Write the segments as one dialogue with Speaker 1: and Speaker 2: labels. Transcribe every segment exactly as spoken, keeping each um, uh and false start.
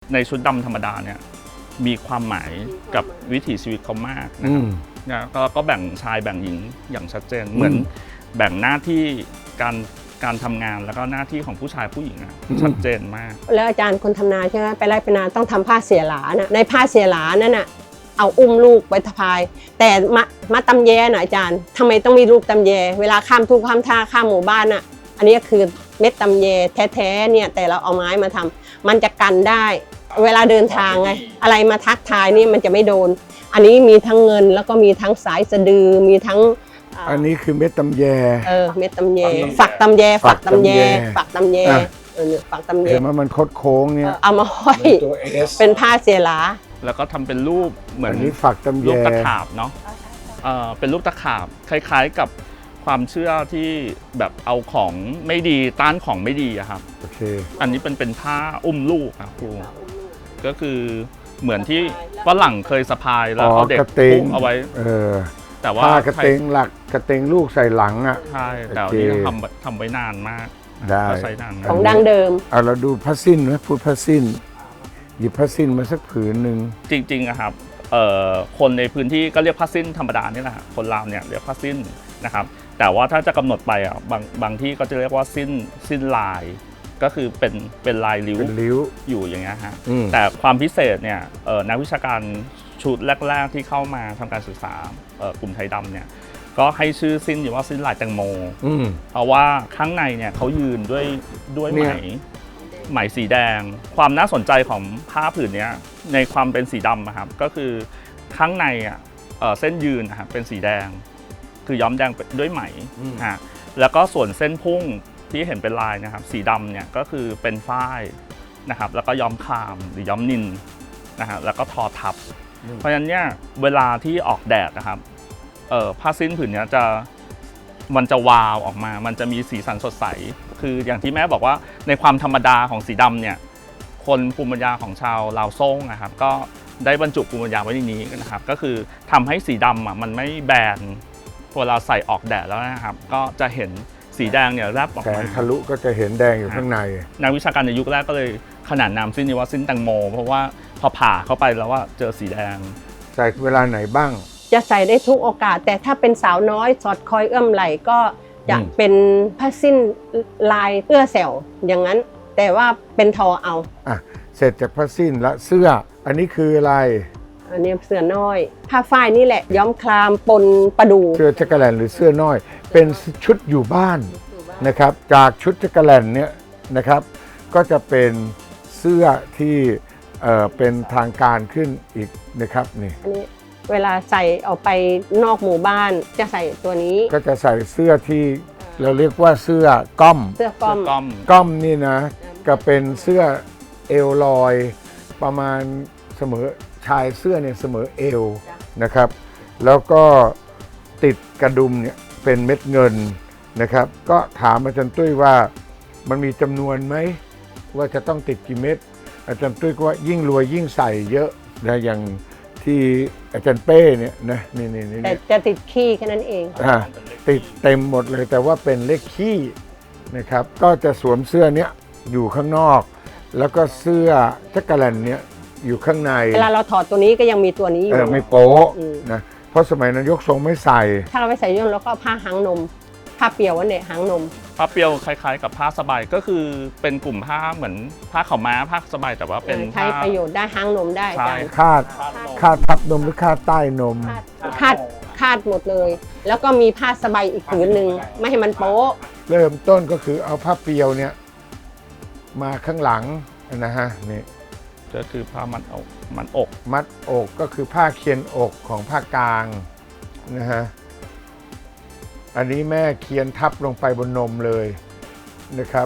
Speaker 1: ในชุดดำธรรมดาเนี่ยมีความหมายกับวิถีชีวิตเขามากนะครับนะก็ก็แบ่งชายแบ่งหญิงอย่างชัดเจนเหมือนแบ่งหน้าที่การการทำงานแล้วก็หน้าที่ของผู้ชายผู้หญิงอะชัดเจนมาก
Speaker 2: แล้วอาจารย์คนทำนาใช่ไหมไปไร่ไปนาต้องทำผ้าเสียหลานะในผ้าเสียหลานั่นน่ะเอาอุ้มลูกไว้ทพายแต่มามาตำแยนะอาจารย์ทำไมต้องมีลูกตำแยเวลาข้ามทุ่งข้ามท่าข้ามหมู่บ้านน่ะอันนี้คือเม็ดตำแยแท้ๆเนี่ยแต่เราเอาไม้มาทำมันจะกันได้เวลาเดินทางไงอะไรมาทักทายนี่มันจะไม่โดนอันนี้มีทั้งเงินแล้วก็มีทั้งสายสะดือมีทั้ง
Speaker 3: อันนี้คือเม็ดตำแย
Speaker 2: เออเม็ดตำแยฝักตำแยฝักตำแยฝักตำแยเออฝักตำแย
Speaker 3: เห็นว่ามันคดโค้งเนี่ย
Speaker 2: เอามาห้อยเป็นผ้าเสียหลา
Speaker 1: แล้วก็ทำเป็นรูปเหมือน
Speaker 3: นี้ฝักตำแย
Speaker 1: รูปตะขาบเนาะเออเป็นรูปตะขาบคล้ายๆกับความเชื่อที่แบบเอาของไม่ดีต้านของไม่ดีอะครับ
Speaker 3: โอเค
Speaker 1: อันนี้เป็นเป็นผ้าอุ้มลูกครับครูก็คือเหมือนที่ฝรั่งเคยสะพายแล้วเอาเด็กพุ่งเอาไว้
Speaker 3: เออ
Speaker 1: แต่ว่า
Speaker 3: ผ้ากระเตงหลักกระเตงลูกใส่หลังอ่ะ
Speaker 1: ใช่แต่ที่ทำทำไว้นานมาก
Speaker 3: ได้
Speaker 1: ใช้นาน
Speaker 2: ของดั้งเดิม
Speaker 3: เอาเราดูผ้าสิ้นไหมพูดผ้าสิ้นหยิบผ้าสิ้นมาสักผืนหนึ่ง
Speaker 1: จริงๆอะครับคนในพื้นที่ก็เรียกผ้าสิ้นธรรมดานี่แหละคนลาวเนี่ยเรียกผ้าสิ้นนะครับแต่ว่าถ้าจะกำหนดไปอ่ะบางบางที่ก็จะเรียกว่าสิ้นสิ้นลายก็คือเป็นเป็นลายริ้วอยู่อย่างเงี้ยฮะแต่ความพิเศษเนี่ยนักวิชาการชุดแรกๆที่เข้ามาทำการศึกษากลุ่มไทยดำเนี่ยก็ให้ชื่อสิ้นอยู่ว่าสิ้นลายแตงโมเพราะว่าข้างในเนี่ยเขายืนด้วยด้วยไหมไหมสีแดงความน่าสนใจของผ้าผืนนี้ในความเป็นสีดำครับก็คือข้างในอ่ะเส้นยืนนะครับเป็นสีแดงคือย้อมแดงด้วยไหมฮะแล้วก็ส่วนเส้นพุ่งที่เห็นเป็นลายนะครับสีดำเนี่ยก็คือเป็นฝ้ายนะครับแล้วก็ย้อมครามหรือย้อมนิลนะฮะแล้วก็ทอทับเพราะฉะนั้นเนี่ยเวลาที่ออกแดดนะครับเอ่อผ้าสิ้นผืนนี้จะมันจะวาวออกมามันจะมีสีสันสดใสคืออย่างที่แม่บอกว่าในความธรรมดาของสีดำเนี่ยคนภูมิปัญญาของชาวลาวซ่งนะครับก็ได้บรรจุภูมิปัญญาไว้ในนี้นะครับก็คือทำให้สีดำอ่ะมันไม่แบนเวลาใส่ออกแดดแล้วนะครับก็จะเห็นสีแดงเนี่ยแลบออกมา
Speaker 3: แสงทะลุก็จะเห็นแดงอยู่ข้างใน
Speaker 1: นักวิชาการในยุคแรกก็เลยขนานนามสิ้นนี้ว่าสิ้นแตงโมเพราะว่าพอผ่าเข้าไปแล้วว่าเจอสีแดง
Speaker 3: ใส่เวลาไหนบ้าง
Speaker 2: จะใส่ได้ทุกโอกาสแต่ถ้าเป็นสาวน้อยสอดคอยเอื้อมไหลก็จะเป็นผ้าสิ้นลายเอื้อแสวอย่างนั้นแต่ว่าเป็นทอเอา
Speaker 3: อ่ะเสร็จจากผ้าสิ้นและเสื้ออันนี้คืออะไร
Speaker 2: อันนี้เสื้อน้อยผ้าฝ้ายนี่แหละย้อมคลามปนประดู
Speaker 3: เสื้อจักรแลนหรือเสื้อน้อยเป็นชุดอยู่บ้านนะครับจากชุดจักรแลนเนี่ยนะครับก็จะเป็นเสื้อที่เอ่อเป็นทางการขึ้นอีกนะครับนี่
Speaker 2: อันนี้เวลาใส่ออกไปนอกหมู่บ้านจะใส่ตัวนี้
Speaker 3: ก็จะใส่เสื้อที่เราเรียกว่าเสื้อก้อม
Speaker 2: เสื้อก้อม
Speaker 3: ก้อมนี่นะก็เป็นเสื้อเอวลอยประมาณเสมอชายเสื้อเนี่ยเสมอเอวนะครับแล้วก็ติดกระดุมเนี่ยเป็นเม็ดเงินนะครับก็ถามอาจารย์ตุ้ยว่ามันมีจำนวนไหมว่าจะต้องติดกี่เม็ดอาจารย์ตุ้ยก็ว่ายิ่งรวยยิ่งใส่เยอะนะอย่างที่อาจารย์เป้เนี่ยนะนี่นี่นี่
Speaker 2: แต่จะติดขี้แค่นั้นเอง
Speaker 3: อ่าติดเต็มหมดเลยแต่ว่าเป็นเลขขี้นะครับก็จะสวมเสื้อเนี้ยอยู่ข้างนอกแล้วก็เสื้อจักรแลนเนี้ยอยู่ข้างใน
Speaker 2: เวลาเราถอดตัวนี้ก็ยังมีตัวนี้อยู่
Speaker 3: เออไม่โป๊ะนะเพราะสมัยนั้นยกทรงไม่ใส่
Speaker 2: ถ้าเราไม่ใส่ย่นแล้วก็ผ้าหางนมผ้าเปียววันเนี่ยหางนม
Speaker 1: ผ้าเปียวคล้ายๆกับผ้าสบายก็คือเป็นกลุ่มผ้าเหมือนผ้าขาวม้าผ้าสบายแต่ว่าเป็น
Speaker 2: ใช้ประโยชน์ได้หางนมได้
Speaker 3: คาดคาดทับนมหรือคาดใต้นม
Speaker 2: คาดคาดหมดเลยแล้วก็มีผ้าสบายอีกผืนหนึ่งไม่ให้มันโป๊ะ
Speaker 3: เริ่มต้นก็คือเอาผ้าเปียวเนี่ยมาข้างหลังนะฮะนี่
Speaker 1: ก็คือผ้ามัดอกมัดอก
Speaker 3: มัดอกก็คือผ้าเคียนอกของผ้ากลางนะฮะอันนี้แม่เคียนทับลงไปบนนมเลยนะครับ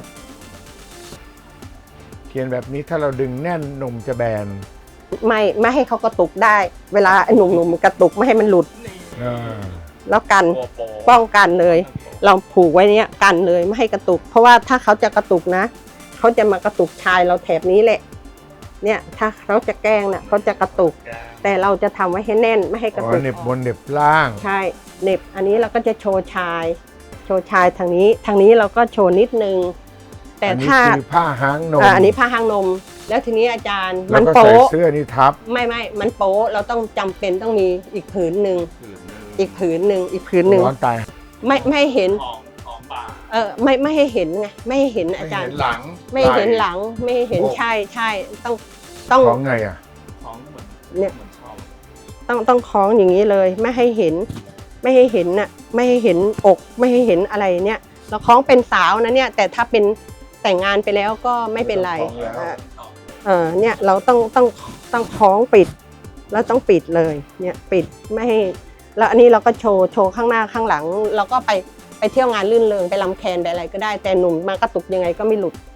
Speaker 3: เคียนแบบนี้ถ้าเราดึงแน่นนมจะแบน
Speaker 2: ไม่ไม่ให้เขากระตุกได้เวลาหนุ่มๆกระตุกไม่ให้มันหลุดแล้วกันป้องกันเลยเราผูกไว้เนี้ยกันเลยไม่ให้กระตุกเพราะว่าถ้าเขาจะกระตุกนะเขาจะมากระตุกชายเราแถบนี้แหละเนี่ยถ้าเขาจะแกล้งน่ะเขาจะกระตุกแต่เราจะทำไว้ให้แน่นไม่ให้กระตุก
Speaker 3: เน็บบนเน็บล่าง
Speaker 2: ใช่เน็บอันนี้เราก็จะโชว์ชายโชว์ชายทางนี้ทางนี้เราก็โชว์นิดนึงแต่ถ้า
Speaker 3: คือผ้าหางนม
Speaker 2: อันนี้ผ้าหางนมแล้วทีนี้อาจารย์
Speaker 3: แล้
Speaker 2: มั
Speaker 3: วน ก็ใส่
Speaker 2: โป๊ะ
Speaker 3: เสื้อนี่ทับ
Speaker 2: ไม่ไม่มันโป๊ะเราต้องจำเป็นต้องมีอีกผืนหนึ่งอีกผืนหนึ่งอีกผืนหนึ่ง
Speaker 3: ร้อนตาย
Speaker 2: ไม่ไม่ให้เห็น
Speaker 1: ของของบ่า
Speaker 2: เออไม่ไม่ให้เห็นไงไม่ให้เห็นอาจารย์
Speaker 3: หลัง
Speaker 2: ไม่ให้เห็นหลังไม่ให้เห็นใช่ใช่ต้องต้อง
Speaker 3: ของไงอ่ะ
Speaker 1: ของเหมือน
Speaker 2: เนี่ย
Speaker 1: เหมือนชอบ
Speaker 2: ต้องต้องคล้องอย่างนี้เลย ไม่ให้เห็น ไม่ให้เห็นน่ะไม่ให้เห็นอกไม่ให้เห็นอะไรเนี่ยเราคล้องเป็นสาวนะเนี่ยแต่ถ้าเป็นแต่งงานไปแล้วก็ไม่เป็นไร
Speaker 3: คล้องแล้ว
Speaker 2: เออเออเนี่ยเราต้องต้องต้องคล้องปิด แล้วต้องปิดเลยเนี่ยปิดไม่ให้แล้วอันนี้เราก็โชว์โชว์ข้างหน้าข้างหลัง เราก็ไปไปเที่ยวงานลื่นเริงไปลำแคนไปอะไรก็ได้แต่หนุ่มมากระตุกยังไงก็ไม่หลุด